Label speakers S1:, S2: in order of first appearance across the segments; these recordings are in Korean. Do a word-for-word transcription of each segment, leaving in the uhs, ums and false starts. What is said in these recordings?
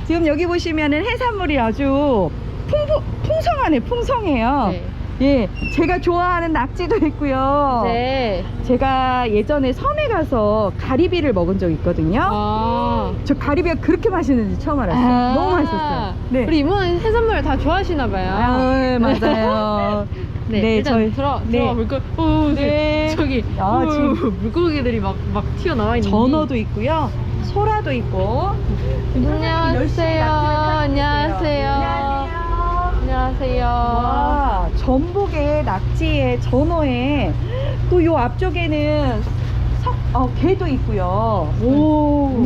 S1: 지금 여기 보시면은 해산물이 아주 풍부, 풍성하네, 풍성해요.
S2: 네.
S1: 예, 제가 좋아하는 낙지도 있고요.
S2: 네.
S1: 제가 예전에 섬에 가서 가리비를 먹은 적 있거든요.
S2: 아.
S1: 저 가리비가 그렇게 맛있는지 처음 알았어요.
S2: 아.
S1: 너무 맛있었어요. 네.
S2: 우리 이모는 해산물 다 좋아하시나 봐요.
S1: 아, 네, 맞아요.
S2: 네,
S1: 네,
S2: 일단
S1: 저희-
S2: 들어
S1: 네.
S2: 들어가 볼까? 오,
S1: 네.
S2: 저기
S1: 아,
S2: 오,
S1: 지금-
S2: 물고기들이 막 막 튀어나와 있는.
S1: 전어도 있고요. 소라도 있고.
S2: 안녕하세요. 안녕하세요. 안녕하세요.
S1: 와, 전복에 낙지에 전어에 또 요 앞쪽에는 석, 어, 게도 있고요. 오,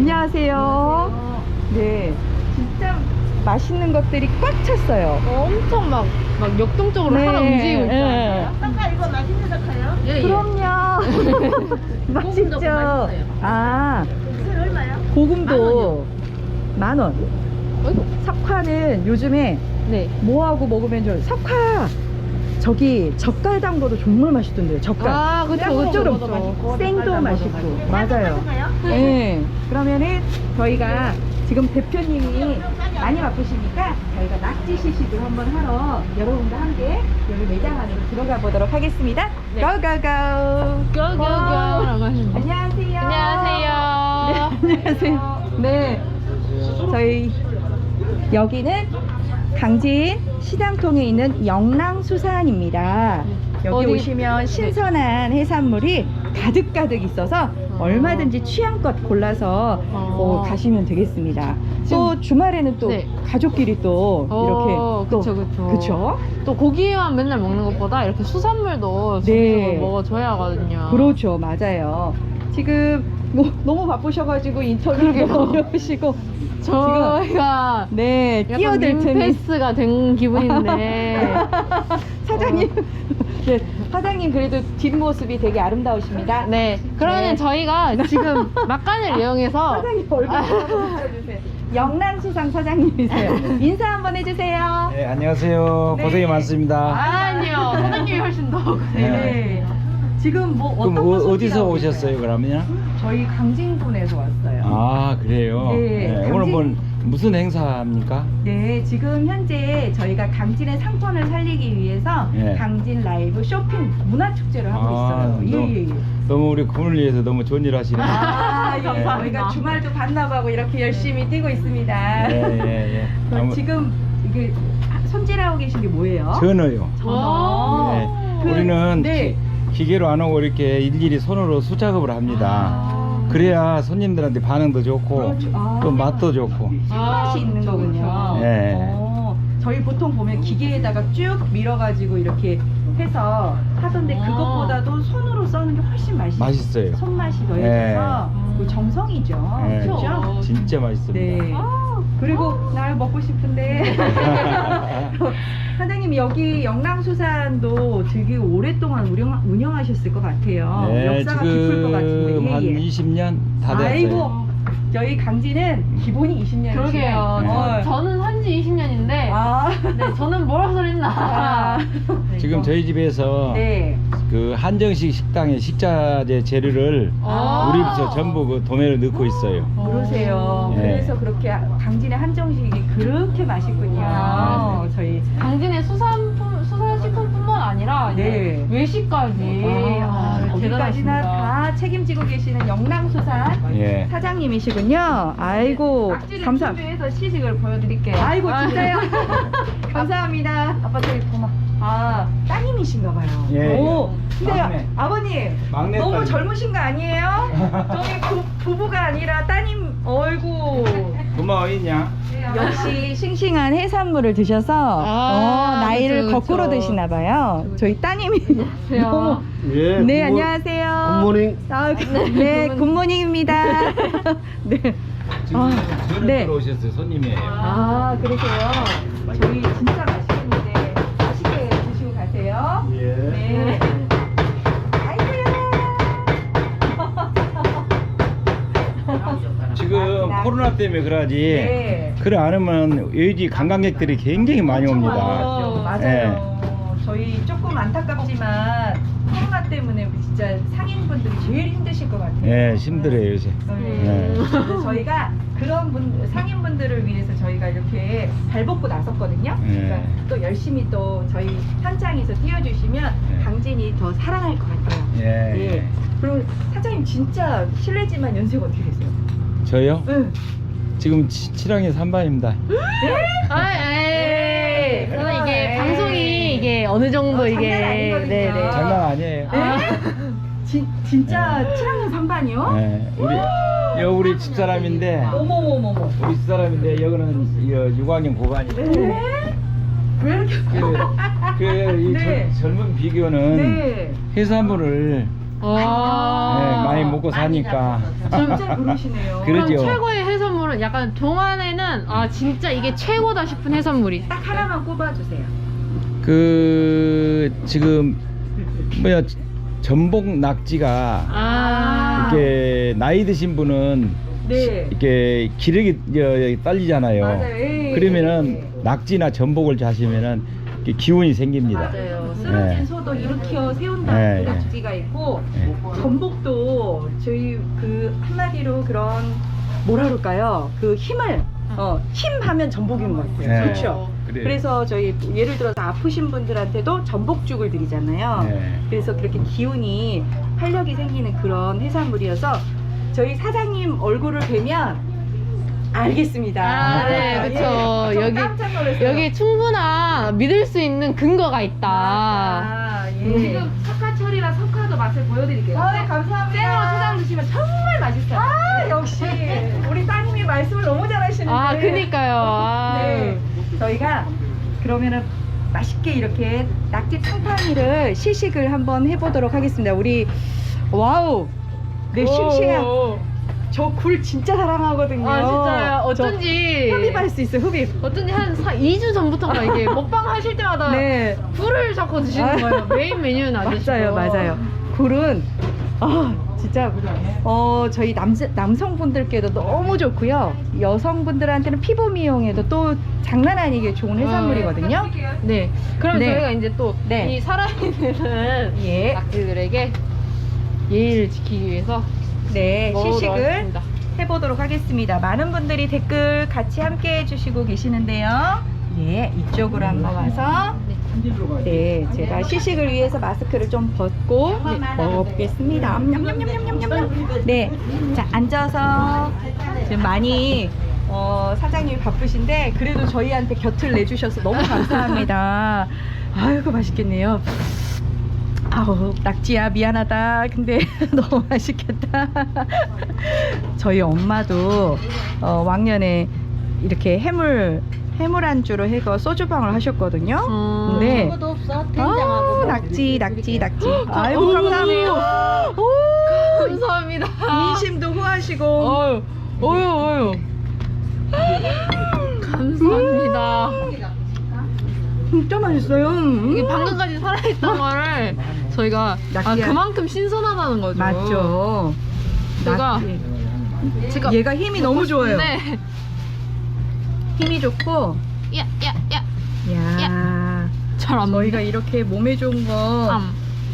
S1: 안녕하세요. 네, 진짜 맛있는 것들이 꽉 찼어요.
S2: 어, 엄청 막, 막 역동적으로
S1: 네,
S2: 하나 움직이고 있어요.
S1: 네.
S3: 아까 이거 맛있는 사카요?
S2: 예, 예.
S1: 그럼요. 맛있죠.
S3: 맛있어요.
S1: 아,
S3: 술 얼마요?
S1: 고금도 만 원.
S2: 어이구.
S1: 석화는 요즘에
S2: 네.
S1: 뭐하고 먹으면 좋아요? 석화 저기 젓갈 담궈도 정말 맛있던데요. 젓갈.
S2: 아, 그쵸, 그쵸,
S1: 짭조름.
S2: 그쵸.
S1: 생도
S3: 젓갈
S1: 맛있고.
S3: 담궈도
S1: 맞아요.
S3: 맛있어요?
S1: 네. 그러면은 저희가 지금 대표님이 많이 바쁘시니까 저희가 낙지 시식을 한번 하러 여러분과 함께 여기 매장 안으로 들어가 보도록 하겠습니다.
S2: 네.
S1: 고고고.
S2: 고고고라고 하시는데.
S1: 안녕하세요.
S2: 안녕하세요.
S1: 네, 안녕하세요. 네. 저희 여기는 강진 시장통에 있는 영랑수산입니다. 여기
S2: 어디-
S1: 오시면 신선한 해산물이 가득가득 있어서 얼마든지 취향껏 골라서 어, 가시면 되겠습니다. 또 주말에는 또
S2: 네.
S1: 가족끼리 또 이렇게
S2: 어,
S1: 또
S2: 그쵸, 그쵸.
S1: 그쵸?
S2: 또 고기만 맨날 먹는 것보다 이렇게 수산물도
S1: 네.
S2: 즐겨서 먹어줘야 하거든요.
S1: 그렇죠, 맞아요. 지금 뭐 너무 바쁘셔가지고 인터뷰도 어려우시고
S2: 저희가
S1: 네
S2: 약간
S1: 끼어들 틈이
S2: 민폐스가 된 기분인데.
S1: 사장님, 네, 사장님 그래도 뒷모습이 되게 아름다우십니다.
S2: 네. 그러면
S1: 네.
S2: 저희가 지금 막간을 이용해서
S1: 사장님 얼굴 한번 비춰주세요. 영란수상 사장님이세요. 인사 한번 해주세요.
S4: 네, 안녕하세요.
S1: 네.
S4: 고생이 많습니다.
S2: 아니요. 사장님이 훨씬 더.
S1: 네. 지금 뭐 어떤
S4: 그럼
S1: 거
S4: 어, 어디서
S1: 소개하고
S4: 오셨어요,
S1: 있어요?
S4: 그러면?
S1: 저희 강진군에서 왔어요.
S4: 아, 그래요?
S1: 네, 강진-
S4: 오늘 뭐 무슨 행사입니까?
S1: 네, 지금 현재 저희가 강진의 상권을 살리기 위해서
S4: 네.
S1: 강진 라이브 쇼핑 문화축제를 하고
S4: 아,
S1: 있어요.
S4: 너무-
S1: 예, 예, 예.
S4: 너무 우리 군을 위해서 너무 좋은 일 하시네요.
S1: 아, 예.
S2: 감사합니다.
S1: 저희가 주말도 반납하고 이렇게 열심히 뛰고 있습니다.
S4: 예, 예, 예.
S1: 그럼
S4: 아무-
S1: 지금 이게 손질하고 계신 게 뭐예요?
S4: 전어요.
S1: 전어.
S4: 네.
S1: 그-
S4: 우리는
S1: 네.
S4: 기, 기계로 안 하고 이렇게 일일이 손으로 수작업을 합니다.
S1: 아.
S4: 그래야 손님들한테 반응도 좋고
S1: 그렇죠. 아.
S4: 또 맛도 좋고.
S1: 맛이 있는
S2: 그쵸,
S1: 거군요.
S2: 그쵸.
S4: 네.
S1: 어, 저희 보통 보면 기계에다가 쭉 밀어가지고 이렇게 해서 하던데
S2: 아.
S1: 그것보다도 손으로 써는 게 훨씬 맛있어요.
S4: 맛있어요.
S1: 손맛이 더해져서
S4: 네.
S1: 그 정성이죠.
S4: 네.
S1: 그렇죠?
S4: 진짜 맛있습니다.
S1: 네. 그리고 날 먹고 싶은데 사장님 여기 영랑수산도 되게 오랫동안 운영, 운영하셨을 것 같아요.
S4: 네,
S1: 역사가 깊을 것 같은데.
S4: 지금
S1: 예,
S4: 한
S1: 예.
S4: 이십 년 다 됐어요.
S1: 아이고 저희 강진은 기본이 이십 년이시네요.
S2: 그러게요.
S4: 네.
S2: 저, 저는 한지 이십 년인데.
S1: 아.
S2: 네, 저는 뭐라 소리나.
S1: 아.
S4: 지금 저희 집에서
S1: 네.
S4: 그 한정식 식당에 식자재 재료를
S2: 아.
S4: 우리 저 전부 그 도매를 넣고 있어요.
S1: 그러세요.
S4: 네.
S1: 그래서 그렇게 강진의 한정식이 그렇게 맛있군요.
S2: 아.
S1: 저희
S2: 강진의 수산품, 수산식품뿐만 아니라 이제
S1: 네.
S2: 외식까지. 아,
S1: 거기까지나
S2: 대단하십니다.
S1: 다 책임지고 계시는 영랑수산
S4: 예.
S1: 사장님이시군요. 아이고
S2: 낙지를
S1: 감사.
S2: 준비해서 시식을 보여드릴게요.
S1: 아이고 진짜요? 감사합니다.
S2: 아빠 저기 고마.
S1: 아 따님이신가봐요.
S4: 예,
S1: 오,
S4: 예.
S1: 근데
S4: 막내.
S1: 아버님
S4: 막내
S1: 너무
S4: 따님.
S1: 젊으신 거 아니에요? 저기 부, 부부가 아니라 따님 얼굴.
S4: 고마워 있냐?
S1: 역시 싱싱한 해산물을 드셔서
S2: 아,
S1: 어, 나이를
S2: 그쵸, 그쵸.
S1: 거꾸로 드시나 봐요. 저희 따님이
S2: 안녕하세요.
S1: 너무
S5: 예,
S1: 네
S5: 굿모-
S1: 안녕하세요.
S5: 굿모닝.
S1: 아, 네 굿모닝입니다. 네.
S4: 지금
S1: 아,
S4: 저녁
S1: 네.
S4: 들어오셨어요. 손님이에요.
S1: 아 그러세요. 저희 진짜 맛있겠는데 맛있게 드시고 가세요.
S5: 예.
S1: 네. 아이고야.
S4: 지금 코로나 때문에 그러지.
S1: 네.
S4: 그래 않으면 여기 관광객들이 굉장히 많이 옵니다.
S1: 맞아요. 맞아요.
S4: 예.
S1: 저희 조금 안타깝지만 코로나 때문에 우리 진짜 상인분들이 제일 힘드실 것 같아요.
S4: 예, 힘들어요 요새.
S1: 네. 그래서 저희가 그런 분 상인분들을 위해서 저희가 이렇게 발벗고 나섰거든요.
S4: 네.
S1: 그러니까 또 열심히 또 저희 현장에서 뛰어주시면
S4: 네.
S1: 강진이 더 살아날 것 같아요.
S4: 예.
S1: 예. 그리고 사장님 진짜 실례지만 연세가 어떻게 되세요?
S4: 저요?
S1: 응.
S4: 지금 치- 칠학년 삼 반입니다.
S2: 아, 에이. 저는 이게
S1: 에이.
S2: 방송이 이게 어느 정도
S1: 어,
S2: 이게
S1: 장난 아니거든요.
S2: 네네.
S4: 장난 아니에요.
S2: 아.
S1: 진, 진짜 칠 학년 삼 반이요?
S4: 예. 우리 여 우리 집사람인데
S1: 어머머머머.
S4: 우리 집사람인데 여기는 육 학년 고반이고.
S1: 네? 왜 이렇게
S4: 그이
S1: 네.
S4: 젊은 비교는
S1: 네.
S4: 해산물을
S2: 와.
S4: 예, 많이 먹고 사니까.
S1: 진짜 그러시네요.
S4: 그러죠.
S2: 그럼 최고의 해산물은 약간 동안에는 아 진짜 이게 최고다 싶은 해산물이
S1: 딱 하나만 꼽아주세요.
S4: 그 지금 뭐야 전복 낙지가
S2: 아
S4: 이렇게 나이 드신 분은
S1: 네.
S4: 이렇게 기력이 어, 딸리잖아요.
S1: 맞아요. 예.
S4: 그러면은 낙지나 전복을 자시면은 이렇게 기운이 생깁니다.
S1: 맞아요. 쓰러진
S4: 네.
S1: 소도 일으켜 세운다
S4: 네,
S1: 그
S4: 네.
S1: 낙지가 있고
S4: 네.
S1: 전복도 저희 그 한마디로 그런 뭐라 그럴까요? 그 힘을 어, 힘하면 전복인 것 같아요.
S4: 네.
S1: 그렇죠.
S4: 그래요.
S1: 그래서 저희 예를 들어서 아프신 분들한테도 전복죽을 드리잖아요.
S4: 네.
S1: 그래서 그렇게 기운이 활력이 생기는 그런 해산물이어서 저희 사장님 얼굴을 뵈면 알겠습니다.
S2: 아, 네,
S1: 예,
S2: 그쵸.
S1: 저
S2: 여기-
S1: 깜짝 놀랐어요.
S2: 여기 충분한 믿을 수 있는 근거가 있다.
S1: 아, 예.
S2: 지금 석화철이라 석화도 맛을 보여드릴게요.
S1: 아, 감사합니다.
S2: 생으로 초장 드시면 정말 맛있어요.
S1: 아, 역시 우리 따님이 말씀을 너무 잘하시는데.
S2: 아, 그니까요. 아.
S1: 네. 저희가 그러면은 맛있게 이렇게 낙지 탕탕이를 시식을 한번 해보도록 하겠습니다. 우리 와우, 네 싱싱한
S2: 오.
S1: 저 굴 진짜 사랑하거든요.
S2: 아, 진짜요? 어쩐지.
S1: 저 흡입할 수 있어, 흡입.
S2: 어쩐지 한 이 주 전부터인가 이게 먹방 하실 때마다
S1: 네.
S2: 굴을 자꾸 드시는
S1: 아.
S2: 거예요. 메인 메뉴는 안 드시고.
S1: 맞아요, 맞아요. 굴은 아 진짜 어 저희 남 남성분들께도 너무 좋고요. 여성분들한테는 피부 미용에도 또 장난 아니게 좋은 해산물이거든요.
S2: 네. 그럼
S1: 네.
S2: 저희가 이제 또 이
S1: 네.
S2: 살아있는
S1: 예.
S2: 낙지들에게 예의를 지키기 위해서
S1: 네,
S2: 먹으러
S1: 시식을
S2: 왔습니다.
S1: 해보도록 하겠습니다. 많은 분들이 댓글 같이 함께 해주시고 계시는데요. 예, 이쪽으로 한번 와서 네, 제가 시식을 위해서 마스크를 좀 벗고 네, 먹어보겠습니다. 냠냠냠냠냠냠. 네, 자 앉아서 지금 많이 어, 사장님이 바쁘신데 그래도 저희한테 곁을 내주셔서 너무 감사합니다. 아이고 맛있겠네요. 아우 낙지야 미안하다. 근데 너무 맛있겠다. 저희 엄마도 어, 왕년에 이렇게 해물 해물 안주로 해서 소주방을 하셨거든요.
S2: 음.
S1: 네.
S3: 아무것도 없어.
S1: 아,
S3: 된장하고.
S1: 낙지 낙지 낙지. 아이고
S2: 오.
S1: 감사합니다. 오,
S2: 감사합니다.
S1: 인심도 후하시고.
S2: 어유, 어유, 어유. 감사합니다.
S1: 진짜 맛있어요. 음.
S2: 이게 방금까지 살아있던 거를 저희가 아,
S1: 낙지야.
S2: 그만큼 신선하다는 거죠.
S1: 맞죠.
S2: 제가-
S1: 낙지.
S2: 제가
S1: 얘가 힘이 너무 좋아요.
S2: 네.
S1: 힘이 좋고.
S2: 야, 야, 야.
S1: 야.
S2: 잘안
S1: 저희가 이렇게 몸에 좋은 거
S2: 음.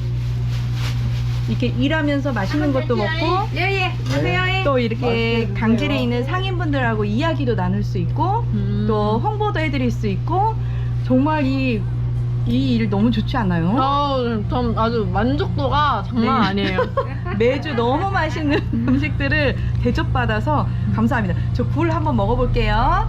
S1: 이렇게 일하면서 맛있는 것도 먹고 예예 또 이렇게 강진에 있는 상인분들하고 이야기도 나눌 수 있고
S2: 음.
S1: 또 홍보도 해드릴 수 있고 정말 이 이 일 너무 좋지 않아요?
S2: 어, 전 아주 만족도가 장난
S1: 네.
S2: 아니에요.
S1: 매주 너무 맛있는 음식들을 대접받아서 감사합니다. 저 굴 한번 먹어볼게요.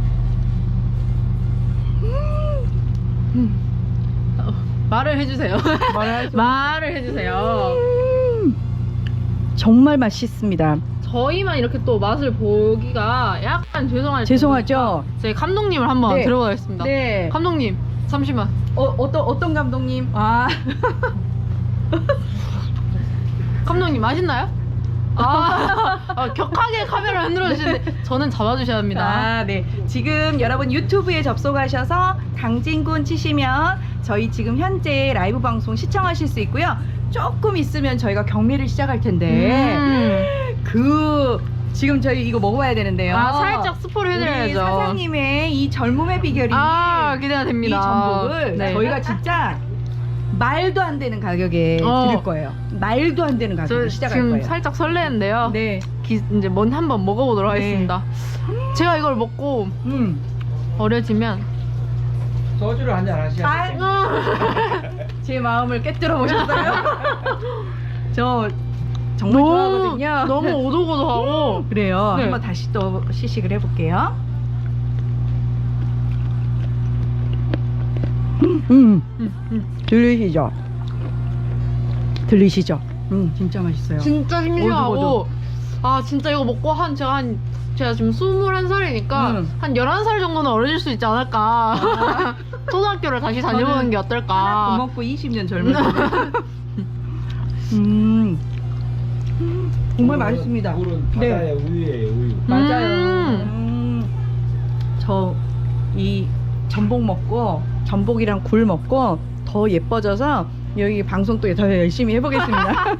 S1: 음.
S2: 어, 말을 해주세요.
S1: 말을 하죠?
S2: 말을 해주세요.
S1: 음. 정말 맛있습니다.
S2: 저희만 이렇게 또 맛을 보기가 약간 죄송할
S1: 죄송하죠?
S2: 저희 감독님을 한번
S1: 네.
S2: 들어보겠습니다.
S1: 네.
S2: 감독님 잠시만.
S1: 어, 어떤 어떤 감독님? 아.
S2: 감독님 맛있나요? 아, 아, 격하게 카메라 흔들어 주시는데 저는 잡아주셔야 합니다.
S1: 아, 네. 지금 여러분 유튜브에 접속하셔서 강진군 치시면 저희 지금 현재 라이브 방송 시청하실 수 있고요. 조금 있으면 저희가 경매를 시작할 텐데
S2: 음.
S1: 그 지금 저희 이거 먹어봐야 되는데요.
S2: 아, 살짝 스포를
S1: 우리
S2: 해드려야죠.
S1: 사장님의 이 젊음의 비결이
S2: 아, 기대가
S1: 이
S2: 됩니다.
S1: 전복을
S2: 네.
S1: 저희가 진짜 말도 안 되는 가격에
S2: 어.
S1: 드릴 거예요. 말도 안 되는
S2: 저
S1: 가격에 시작할
S2: 지금
S1: 거예요.
S2: 살짝 설레는데요.
S1: 네.
S2: 기, 이제 먼저 한번 먹어보도록
S1: 네.
S2: 하겠습니다. 제가 이걸 먹고
S1: 음.
S2: 어려지면
S4: 소주를 한잔 하셔야
S1: 아,
S4: 돼요.
S1: 제 마음을 깨뜨려 보셨어요? 저 정말 좋아하거든요.
S2: 너무 오도고도하고
S1: 그래요.
S2: 네.
S1: 한번 다시 또 시식을 해볼게요. 음, 음.
S2: 음, 음.
S1: 들리시죠? 들리시죠? 음, 진짜 맛있어요.
S2: 진짜 싱싱하고
S1: 오도고도.
S2: 아 진짜 이거 먹고 한 제가 한 제가 지금 스물한 살이니까
S1: 음.
S2: 한 열한 살 정도는 어려질 수 있지 않을까. 초등학교를 다시 다녀보는
S1: 저는
S2: 게
S1: 하나 더
S2: 어떨까.
S1: 먹고 이십 년 젊은데. 음, 정말 맛있습니다.
S4: 물은
S1: 네.
S4: 바다의 우유예요, 우유.
S1: 맞아요.
S2: 음.
S1: 음. 저 이 전복 먹고 전복이랑 굴 먹고 더 예뻐져서 여기 방송 또 더 열심히 해보겠습니다.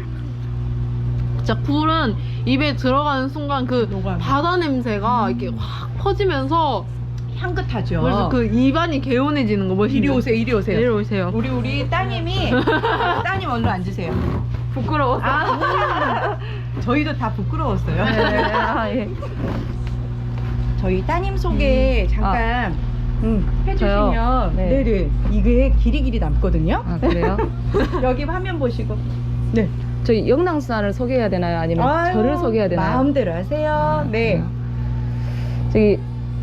S2: 진짜 굴은 입에 들어가는 순간 그
S1: 녹아요.
S2: 바다 냄새가 이렇게 확 퍼지면서
S1: 향긋하죠.
S2: 그래서 그 입안이 개운해지는 거 멋있죠?
S1: 이리 오세요, 이리 오세요.
S2: 이리 오세요.
S1: 우리 우리 따님이 따님 얼른 앉으세요.
S2: 부끄러워서.
S1: 아, 저희도 다 부끄러웠어요.
S2: 아, 예.
S1: 저희 따님 소개 잠깐 음, 해주시면
S5: 저요? 네.
S1: 네네 이게 길이 길이 남거든요.
S5: 아 그래요?
S1: 여기 화면 보시고 네
S5: 저희 영랑수산을 소개해야 되나요? 아니면
S1: 아유,
S5: 저를 소개해야 되나요?
S1: 마음대로 하세요. 네.
S5: 저기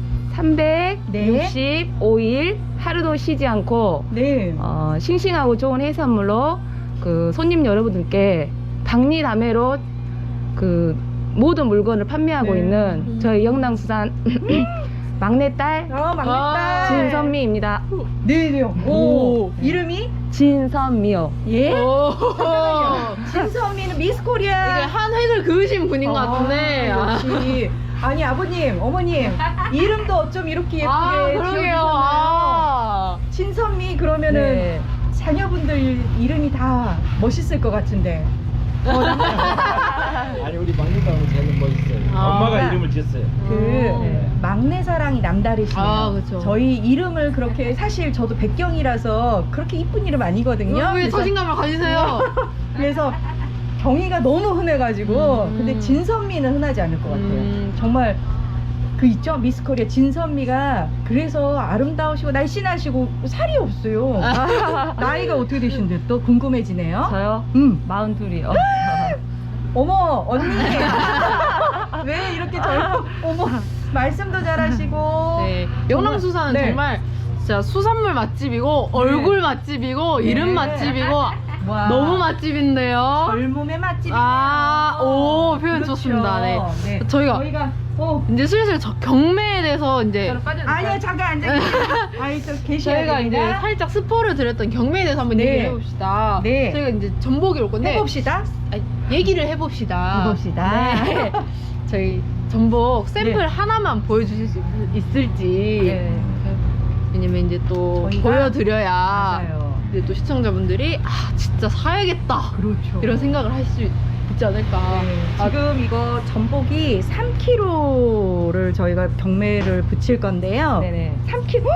S5: 삼백육십오 일 하루도 쉬지 않고
S1: 네.
S5: 어, 싱싱하고 좋은 해산물로 그 손님 여러분들께 박리담회로 그 모든 물건을 판매하고
S1: 네.
S5: 있는 저희 영랑수산 막내딸
S1: 어, 막내딸.
S2: 아,
S5: 진선미입니다.
S1: 네네. 오.
S2: 오.
S1: 이름이
S5: 진선미요.
S1: 예?
S2: 오.
S1: 진선미는 미스
S2: 이게
S1: 코리아.
S2: 한 획을 그으신 분인 것 같은데.
S1: 아,
S2: 아,
S1: 역시. 아니 아버님, 어머님 이름도 어쩜 이렇게 예쁘게
S2: 아, 그러게요.
S1: 지어주셨나요?
S2: 아.
S1: 진선미 그러면은
S5: 네.
S1: 자녀분들 이름이 다 멋있을 것 같은데. 어, 남-
S4: 아니 우리 막내딸은 제일 멋있어요.
S2: 아.
S4: 엄마가 이름을 지었어요.
S1: 그
S2: 네.
S1: 막내 사랑이 남다르시네요.
S2: 아, 그쵸.
S1: 저희 이름을 그렇게 사실 저도 백경이라서 그렇게 이쁜 이름 아니거든요.
S2: 왜
S1: 그래서-
S2: 자신감을 가지세요?
S1: 그래서 경희가 너무 흔해가지고
S2: 음.
S1: 근데 진선미는 흔하지 않을 것 같아요.
S2: 음.
S1: 정말 그 있죠 미스코리아 진선미가 그래서 아름다우시고 날씬하시고 살이 없어요. 나이가 어떻게 되신데 또 궁금해지네요.
S5: 저요?
S1: 음.
S5: 마흔둘이요.
S1: 어머 언니 왜 이렇게 젊어? 어머 말씀도 잘하시고.
S2: 네. 영랑수산은
S1: 네.
S2: 정말 진짜 수산물 맛집이고 얼굴 맛집이고 이름
S1: 네.
S2: 맛집이고
S1: 와,
S2: 너무 맛집인데요.
S1: 젊음의 맛집이네요.
S2: 아, 오, 표현 좋습니다. 네. 저희가-
S1: 저희가 어
S2: 이제 슬슬 저 경매에 대해서 이제
S1: 아니요 잠깐 앉아 계세요. 아니 저 계셔야
S2: 저희가 이제
S1: 됩니다.
S2: 살짝 스포를 드렸던 경매에 대해서 한번
S1: 네.
S2: 얘기를 해봅시다.
S1: 네.
S2: 저희가 이제 전복이 올 건데
S1: 해봅시다.
S2: 아니, 얘기를 해봅시다.
S1: 해봅시다.
S2: 네. 저희 전복 샘플
S1: 네.
S2: 하나만 보여주실 수 있, 있을지.
S1: 네.
S2: 왜냐면 이제 또
S1: 저희가-
S2: 보여드려야
S1: 맞아요.
S2: 이제 또 시청자분들이 아 진짜 사야겠다
S1: 그렇죠.
S2: 이런 생각을 할 수 있지 않을까.
S1: 네,
S2: 아,
S1: 지금 이거 전복이 삼 킬로그를 저희가 경매를 붙일 건데요.
S5: 네네.
S1: 삼 킬로그.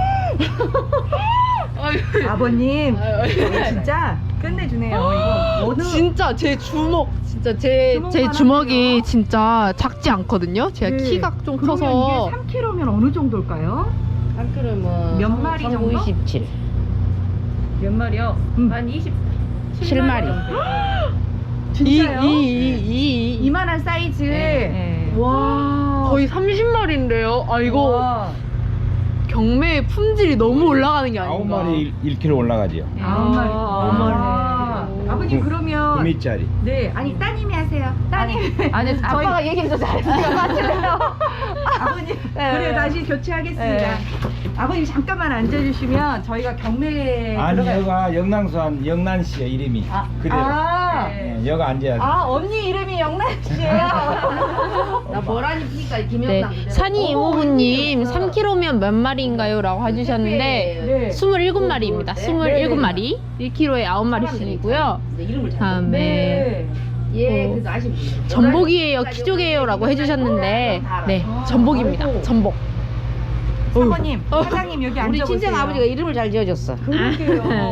S2: 아유,
S1: 아버님
S2: 아유,
S1: 이거 진짜 끝내주네요. 이거 어느
S2: 진짜 제 주먹 진짜 제 제
S1: 주먹만
S2: 주먹이
S1: 하네요.
S2: 진짜 작지 않거든요. 제가
S1: 네.
S2: 키가 좀
S1: 그러면
S2: 커서
S1: 이게 삼 킬로그면 어느 정도일까요?
S5: 한 킬로면
S1: 몇 마리 정도?
S5: 이십칠. 몇 마리요?
S1: 음.
S5: 한 이십칠 마리.
S1: 진짜요?
S2: 이이이
S1: 이만한 사이즈.
S5: 네, 네.
S1: 와.
S2: 거의 삼십 마리인데요. 아 이거
S1: 와.
S2: 경매의 품질이 너무 올라가는 게
S4: 아홉
S2: 아닌가.
S4: 마리 일 킬로그 올라가지요.
S1: 아홉 마리.
S2: 아홉
S1: 아.
S2: 마리.
S1: 아버님
S4: 구-
S1: 그러면
S4: 구미짜리.
S1: 네 아니 따님이 하세요. 따님.
S5: 아니
S1: 저희-
S5: 아빠가 얘기를 더 잘했으니까 맞추래요.
S1: 아버님
S5: 네.
S1: 그래 다시 교체하겠습니다.
S5: 네.
S1: 아버님 잠깐만 앉아주시면 저희가 경매에
S4: 아니
S1: 들어가요.
S4: 여가 영랑수한 영란씨요 이름이.
S1: 아,
S4: 그래요.
S1: 아,
S4: 네, 여가 앉아야 돼.
S1: 아 언니 이름이 영란 씨예요.
S5: 나 보라니 피니까
S2: 네,
S5: 김영남.
S2: 산이 이모부님 삼 킬로그면 몇 마리인가요? 라고 해주셨는데
S1: 네.
S2: 스물일곱 마리입니다. 스물일곱 마리 일 킬로그에 아홉 마리씩이고요.
S5: 이름을 잘.
S2: 다음에
S1: 네.
S5: 예,
S2: 어.
S5: 그래서 아시는 분.
S2: 전복이에요, 키조개예요 라고 해주셨는데 네, 전복입니다. 전복.
S1: 사모님 사장님 여기
S5: 우리
S1: 앉아보세요.
S5: 친정 아버지가 이름을 잘 지어줬어.
S1: 그러게요.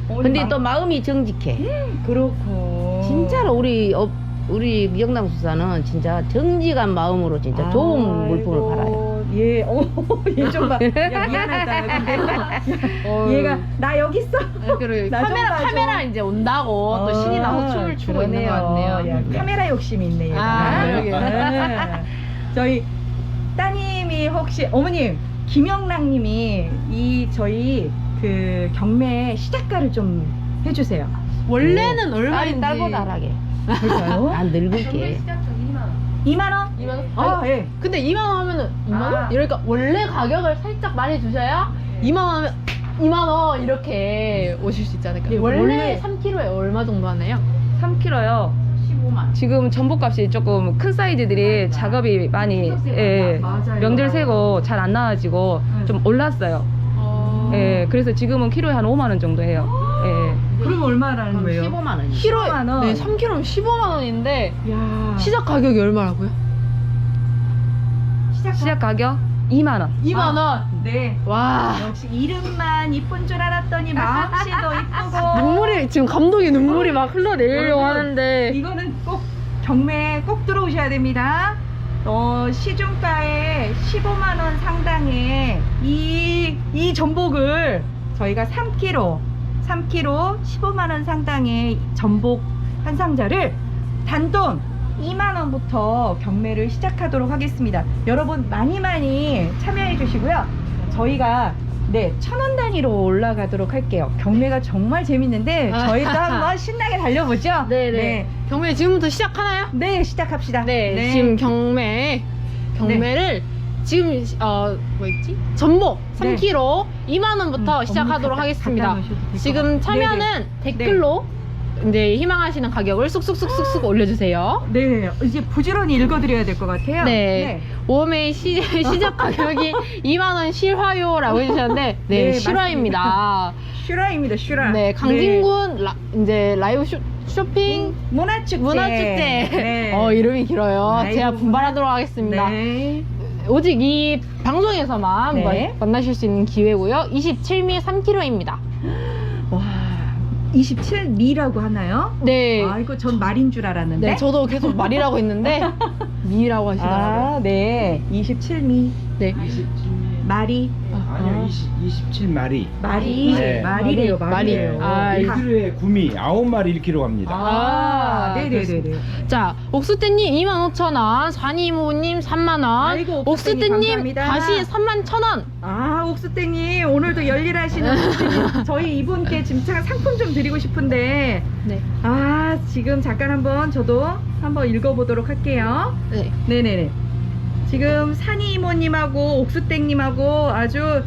S1: 어머니
S5: 근데
S1: 막-
S5: 또 마음이 정직해.
S1: 그렇고.
S5: 진짜로 우리 업 우리 미영남수사는 진짜 정직한 마음으로 진짜 좋은 물품을 팔아요.
S1: 예, 어, 얘좀 봐. 야, 미안하다. 근데 얘가 나 여기 있어.
S2: 그리고
S1: 나좀
S2: 카메라
S1: 봐줘.
S2: 카메라 이제 온다고 또 신이 나서 춤을 추고 있는 것 같네요.
S1: 야, 카메라 욕심이 있네 얘가.
S2: 아, 여기.
S1: 네. 저희 따님이 혹시 어머님 김영랑님이 이 저희 그 경매 시작가를 좀 해주세요.
S2: 원래는
S5: 딸이
S2: 얼마인지
S5: 딸보다 하게.
S1: 그럴까요?
S5: 안 늙을게.
S1: 이만 원?
S2: 이만 원?
S1: 아,
S2: 아니,
S1: 예.
S2: 근데 이만 원 하면은 이만 원?
S1: 아.
S2: 이러니까 원래 가격을 살짝 많이 주셔야 이만 원 하면 이만 원 이렇게 오실 수 있지 않을까?
S1: 예,
S2: 원래,
S1: 원래
S2: 삼 킬로그램에 얼마 정도 하나요?
S5: 삼 킬로그램요.
S2: 십오만.
S5: 지금 전복값이 조금 큰 사이즈들이 작업이 많이 예,
S1: 맞아요.
S5: 명절 세고 잘 안 나와지고 좀 올랐어요.
S2: 어...
S5: 예, 그래서 지금은 키로에 한 오만 원 정도 해요. 예.
S1: 그럼 얼마라는 거예요?
S5: 십오만 원.
S2: 키로에
S1: 십오만 원.
S2: 네, 삼 킬로그램 십오만 원인데
S1: 야.
S2: 시작 가격이 얼마라고요?
S1: 시작
S5: 시작 가격 이만 원.
S2: 이만 원.
S1: 네.
S2: 와.
S1: 역시 이름만 이쁜 줄 알았더니 마음씨도 이쁘고.
S2: 눈물이 지금 감독이 눈물이 막 흘러내리려고
S1: 여러분,
S2: 하는데
S1: 이거는 꼭 경매에 꼭 들어오셔야 됩니다. 어, 시중가에 십오만 원 상당의 이, 이 전복을 저희가 삼 킬로그램, 삼 킬로그램 십오만 원 상당의 전복 한 상자를 단돈 이만 원부터 경매를 시작하도록 하겠습니다. 여러분 많이 많이 참여해 주시고요. 저희가 네, 천 원 단위로 올라가도록 할게요. 경매가 정말 재밌는데 저희도 한번 신나게 달려보죠.
S2: 네네.
S1: 네,
S2: 경매 지금부터 시작하나요?
S1: 네, 시작합시다.
S2: 네, 지금 경매 경매를 지금 어 뭐였지? 전복 삼
S1: 네.
S2: 킬로그램 이만 원부터
S1: 음,
S2: 시작하도록
S1: 어머니 갖다-
S2: 하겠습니다.
S1: 갖다 놓으셔도 될것
S2: 지금
S1: 같아요.
S2: 참여는
S1: 네네.
S2: 댓글로 이제 희망하시는 가격을 쑥쑥쑥쑥쑥 올려주세요.
S1: 네, 이제 부지런히 읽어드려야 될 것 같아요.
S2: 네. 오메이 시, 시작 가격이 이만 원 실화요라고 해주셨는데 네,
S1: 네,
S2: 실화입니다.
S1: 슈라입니다, 슈라.
S2: 네, 강진군 라, 이제 라이브 쇼, 쇼핑
S1: 문화축제.
S2: 문화축제.
S1: 네.
S2: 어 이름이 길어요.
S1: 라이브
S2: 제가 분발하도록 하겠습니다.
S1: 네.
S2: 오직 이 방송에서만
S1: 네.
S2: 마- 만나실 수 있는 기회고요. 이십칠 미 삼 킬로그램입니다.
S1: 와, 이십칠 미라고 하나요?
S2: 네.
S1: 아이고, 전 말인 줄 알았는데.
S2: 네, 저도 계속 말이라고 했는데 미라고 하시더라고요.
S1: 아, 네. 이십칠 미.
S2: 네.
S1: 말이.
S4: 아니요, 이십칠 마리.
S1: 말이.
S4: 네.
S1: 말이래요,
S2: 말이.
S1: 말이래요.
S2: 아,
S4: 일 킬로그램에 구미, 아홉 마리 일 킬로그램 합니다.
S1: 아, 네네네네.
S2: 자, 옥수떼님 이만 오천 원, 사니모님 삼만 원,
S1: 아이고, 옥수떼님
S2: 옥수떼님
S1: 감사합니다.
S2: 다시 삼만 천 원.
S1: 아, 옥수땡님 오늘도 열일하시는 옥수땡님, 저희 이분께 지금 참 상품 좀 드리고 싶은데
S2: 네.
S1: 아, 지금 잠깐 한번 저도 한번 읽어보도록 할게요.
S2: 네.
S1: 네네네. 지금 산이 이모님하고 옥수땡님하고 아주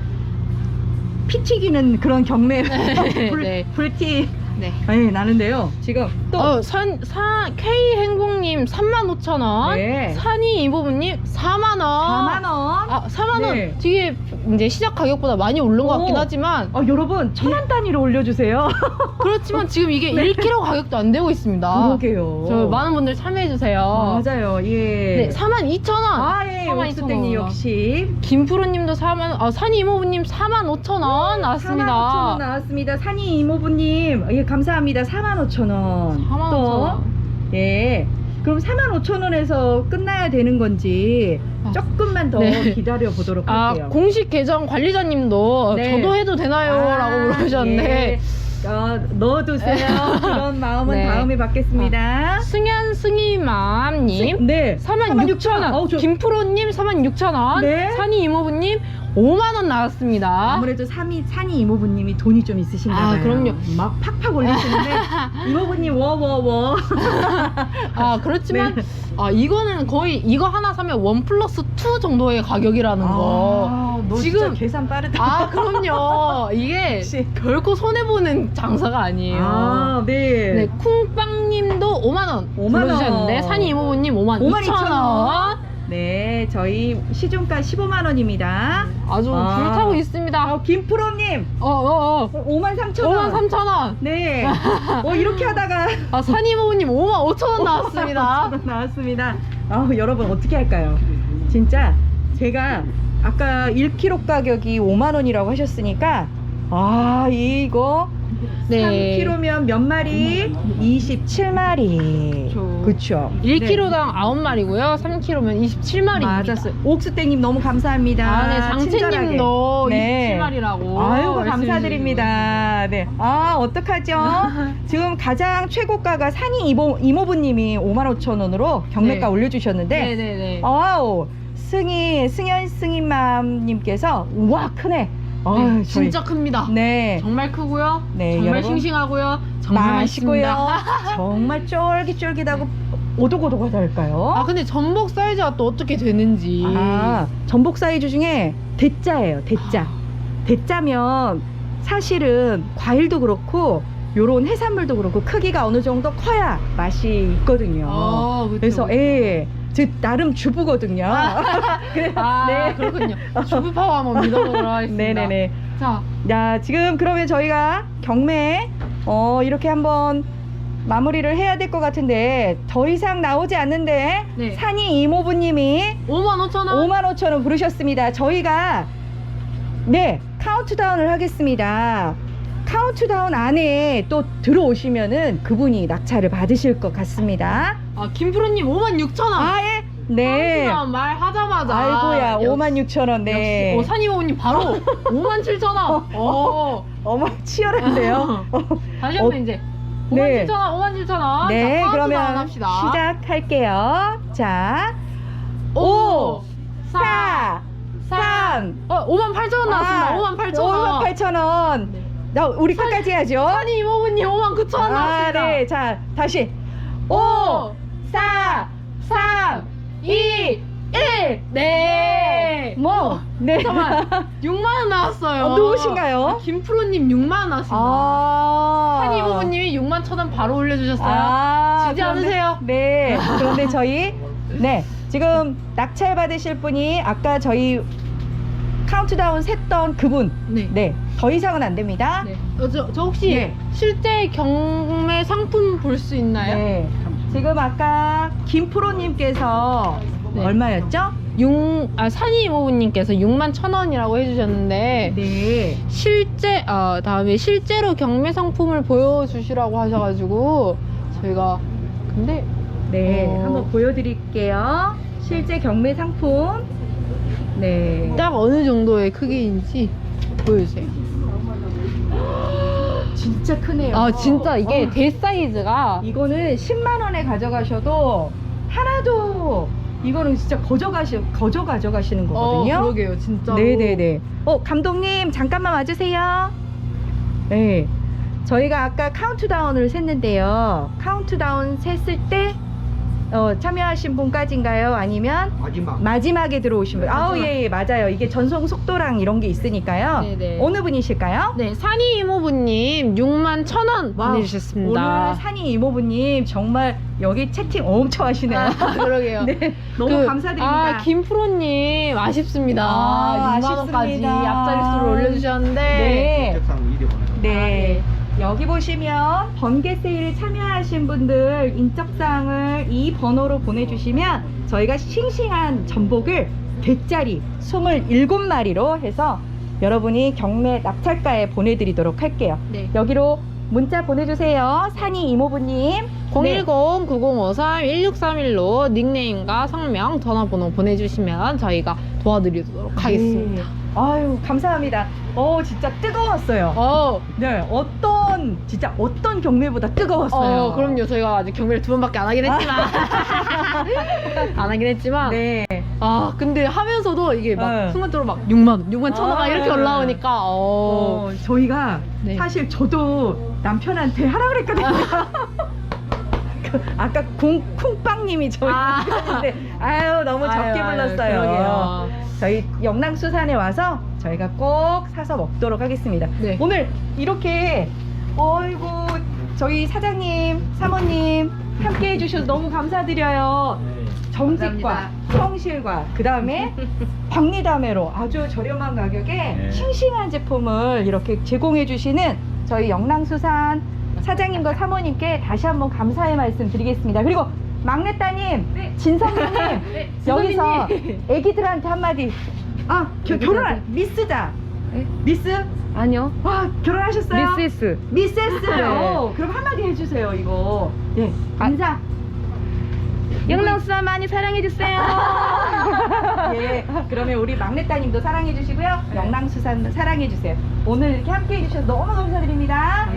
S1: 피 튀기는 그런 경매 불,
S2: 네.
S1: 불티
S2: 네.
S1: 네, 나는데요. 지금 또
S2: 어, 산, 사, K 행복님 삼만 오천 원,
S1: 네.
S2: 산이 이보부님 사만 원.
S1: 사만 원.
S2: 아, 사만 원.
S1: 네.
S2: 되게 이제 시작 가격보다 많이 오른 것 같긴
S1: 오.
S2: 하지만
S1: 어, 여러분 천 원 단위로 올려주세요.
S2: 그렇지만 지금 이게 일 킬로그램 가격도 안 되고 있습니다.
S1: 그러게요.
S2: 저 많은 분들 참여해 주세요.
S1: 맞아요. 예.
S2: 네, 사만 이천 원.
S1: 아, 예,
S2: 사만 이천
S1: 옥수땡님
S2: 원.
S1: 역시
S2: 김프로님도 사만, 아, 산이 이모부님 사만 오천 원 나왔습니다.
S1: 사만 오천 원 나왔습니다. 산이 이모부님, 예, 감사합니다. 사만 오천 원.
S2: 사만
S1: 또,
S2: 오천 원.
S1: 예. 그럼 사만 오천 원에서 끝나야 되는 건지
S2: 아.
S1: 조금만 더
S2: 네.
S1: 기다려 보도록
S2: 아,
S1: 할게요.
S2: 공식 계정 관리자님도
S1: 네.
S2: 저도 해도 되나요?
S1: 아,
S2: 라고 물어보셨는데
S1: 예. 어, 넣어두세요. 그런 마음은
S2: 네.
S1: 다음에 받겠습니다.
S2: 승현 승희맘님
S1: 네.
S2: 사만 육천 원,
S1: 어우, 저-
S2: 김프로님 사만 육천 원,
S1: 네.
S2: 산이 이모부님 오만 원 나왔습니다.
S1: 아무래도 산이, 산이 이모부님이 돈이 좀 있으신가 봐요.
S2: 아, 그럼요.
S1: 막 팍팍 올리시는데 이모부님 워워워.
S2: 아 그렇지만
S1: 네.
S2: 아 이거는 거의 이거 하나 사면 원 플러스 투 정도의 가격이라는 거.
S1: 아, 너
S2: 지금-
S1: 진짜 계산 빠르다.
S2: 아 그럼요. 이게
S1: 역시.
S2: 결코 손해 보는 장사가 아니에요.
S1: 아, 네.
S2: 네, 쿵빵님도 오만 원
S1: 오만 원.
S2: 불러주셨는데 산이 이모부님 오만
S1: 오만
S2: 이천
S1: 이천
S2: 원.
S1: 원. 네, 저희 시중가 십오만 원입니다.
S2: 아주
S1: 아.
S2: 불타고 있습니다.
S1: 어, 김프로님
S2: 어어 어.
S1: 오만 삼천 원.
S2: 오만 삼천 원.
S1: 네. 어, 이렇게 하다가
S2: 아 산이 이모부님 오만 오천 원 나왔습니다.
S1: 나왔습니다. 아, 여러분 어떻게 할까요? 진짜 제가 아까 일 킬로그램 가격이 오만 원이라고 하셨으니까 아, 이거
S2: 네.
S1: 삼 킬로그램면 몇 마리? 이십칠 마리.
S2: 그쵸.
S1: 그쵸.
S2: 일 킬로그램당 아홉 마리고요. 삼 킬로그램면 이십칠 마리입니다.
S1: 맞았어요. 옥수땡님 너무 감사합니다.
S2: 아, 네,
S1: 친절하게.
S2: 장채님도
S1: 네.
S2: 이십칠 마리라고.
S1: 아이고 감사드립니다. 네. 아 어떡하죠? 지금 가장 최고가가 산이 이모, 이모부님이 오만 오천 원으로 경매가
S2: 네.
S1: 올려주셨는데
S2: 네네네.
S1: 아우 승희 승현 승희맘님께서 우와 크네. 아유,
S2: 네,
S1: 저희-
S2: 진짜 큽니다.
S1: 네.
S2: 정말 크고요.
S1: 네,
S2: 정말
S1: 여러분.
S2: 싱싱하고요. 정말
S1: 맛있고요.
S2: 맛있습니다.
S1: 정말 쫄깃쫄깃하고 오독오독하달까요?
S2: 아 근데 전복 사이즈가 또 어떻게 되는지.
S1: 아, 전복 사이즈 중에 대짜예요. 대짜. 대짜면 사실은 과일도 그렇고 요런 해산물도 그렇고 크기가 어느 정도 커야 맛이 있거든요.
S2: 아, 그쵸,
S1: 그래서
S2: 그쵸.
S1: 예. 즉 나름 주부거든요. 그래-
S2: 아
S1: 네.
S2: 그렇군요. 주부 파워 한번 믿어보도록 하겠습니다.
S1: 네네네.
S2: 자,
S1: 자, 지금 그러면 저희가 경매 어 이렇게 한번 마무리를 해야 될 것 같은데 더 이상 나오지 않는데
S2: 네.
S1: 산이 이모부님이
S2: 오만 오천 원.
S1: 오만 오천 원 부르셨습니다. 저희가 네 카운트다운을 하겠습니다. 카운트다운 안에 또 들어오시면은 그분이 낙찰을 받으실 것 같습니다.
S2: 아 김프로님 오만 육천 원.
S1: 아 예. 네.
S2: 말 하자마자.
S1: 아이고야
S2: 역시-
S1: 오만 육천 원. 네.
S2: 역시 어, 산이모님 바로 오만 칠천 원. 어.
S1: 어머 치열한데요.
S2: 다시 한번
S1: 어,
S2: 이제
S1: 네.
S2: 오만 칠천 원, 오만 칠천 원.
S1: 네,
S2: 자, 카운트다운
S1: 그러면
S2: 합시다.
S1: 시작할게요. 자, 오, 사, 삼,
S2: 어, 오만 팔천 원 나왔습니다.
S1: 아,
S2: 오만 팔천 원.
S1: 오만 팔천 원.
S2: 네.
S1: 나 우리 끝까지 해야죠.
S2: 산이 이모부님 오만 구천 원
S1: 아,
S2: 나왔습니다.
S1: 네. 자, 다시. 오, 사, 삼, 이, 일.
S2: 네.
S1: 뭐? 네.
S2: 잠깐만. 육만 원 나왔어요.
S1: 어, 누구신가요?
S2: 아, 김프로님 육만 원 나왔습니다.
S1: 아.
S2: 산이 이모부님이 육만 천 원 바로 올려주셨어요.
S1: 아,
S2: 지지
S1: 그런데-
S2: 않으세요?
S1: 네. 그런데 저희 네 지금 낙찰 받으실 분이 아까 저희 카운트다운 셌던 그분
S2: 네.
S1: 네 더 이상은 안 됩니다.
S2: 네. 어, 저, 저 혹시
S1: 네.
S2: 실제 경매 상품 볼 수 있나요?
S1: 네. 지금 아까 김프로님께서
S2: 네.
S1: 얼마였죠?
S2: 육, 아, 산이 이모부님께서 육만 천 원이라고 해주셨는데
S1: 네.
S2: 실제 아 다음에 실제로 경매 상품을 보여주시라고 하셔가지고 저희가 근데
S1: 네.
S2: 어.
S1: 한번 보여드릴게요. 실제 경매 상품. 네.
S2: 딱 어느 정도의 크기인지 보여주세요.
S1: 진짜 크네요.
S2: 아 진짜 이게
S1: 어.
S2: 대 사이즈가
S1: 이거는 십만 원에 가져가셔도 하나도 이거는 진짜 거저 가시 거저 가져가시는 거거든요.
S2: 어, 그러게요 진짜.
S1: 네네네. 어 감독님 잠깐만 와주세요. 네. 저희가 아까 카운트다운을 셌는데요. 카운트다운 셌을 때 어, 참여하신 분까지인가요? 아니면
S4: 마지막.
S1: 마지막에 들어오신 분? 아우 예, 예 맞아요. 이게 전송 속도랑 이런 게 있으니까요.
S2: 네네.
S1: 어느 분이실까요?
S2: 네 산이 이모부님 육만 천 원
S1: 와우,
S2: 보내주셨습니다.
S1: 오늘 산이 이모부님 정말 여기 채팅 엄청 하시네요.
S2: 아, 그러게요.
S1: 네, 너무
S2: 그,
S1: 감사드립니다.
S2: 아, 김프로님 아쉽습니다.
S1: 아,
S2: 육만 원까지
S1: 아쉽습니다.
S2: 앞자릿수를 올려주셨는데.
S1: 네.
S4: 책상 이리 보내서.
S1: 네. 여기 보시면 번개 세일 참여하신 분들 인적사항을 이 번호로 보내주시면 저희가 싱싱한 전복을 대짜리 이십칠 마리로 해서 여러분이 경매 낙찰가에 보내드리도록 할게요.
S2: 네.
S1: 여기로 문자 보내주세요. 산이 이모부님.
S2: 공일공 구공오삼 일육삼일로 닉네임과 성명, 전화번호 보내주시면 저희가 도와드리도록 하겠습니다.
S1: 네. 아유 감사합니다. 어 진짜 뜨거웠어요.
S2: 어,
S1: 네 어떤 진짜 어떤 경매보다 뜨거웠어요.
S2: 어, 그럼요. 저희가 아직 경매를 두 번밖에 안 하긴 했지만. 안 하긴 했지만.
S1: 네.
S2: 아, 근데 하면서도 이게 막
S1: 네.
S2: 순간적으로 막 육만 원, 육만 천 원
S1: 아,
S2: 이렇게
S1: 네.
S2: 올라오니까, 어.
S1: 어, 저희가
S2: 네.
S1: 사실 저도 남편한테 하라 그랬거든요. 그 아까 쿵, 쿵빵님이 저희
S2: 아.
S1: 남편인데 아유 너무 적게
S2: 아유, 아유,
S1: 불렀어요.
S2: 그러게요.
S1: 저희 영랑수산에 와서 저희가 꼭 사서 먹도록 하겠습니다.
S2: 네.
S1: 오늘 이렇게 어이구 저희 사장님, 사모님 함께 해주셔서 너무 감사드려요. 정직과 성실과 그 다음에 박리담회로 아주 저렴한 가격에
S4: 네.
S1: 싱싱한 제품을 이렇게 제공해 주시는 저희 영랑수산 사장님과 사모님께 다시 한번 감사의 말씀 드리겠습니다. 그리고 막내 따님 진성님
S2: 네,
S1: 여기서
S2: 진성님.
S1: 애기들한테 한마디 아 겨, 결혼 안- 미스자
S2: 네?
S1: 미스
S5: 아니요.
S1: 와, 결혼하셨어요?
S5: 미세스.
S1: 미세스.
S5: 네.
S1: 어, 그럼 한마디 해주세요, 이거. 네,
S5: 아.
S1: 인사.
S5: 영랑수산 많이 사랑해주세요.
S1: 예, 그러면 우리 막내 따님도 사랑해주시고요. 영랑수산 사랑해주세요. 오늘 이렇게 함께 해주셔서 너무 감사드립니다.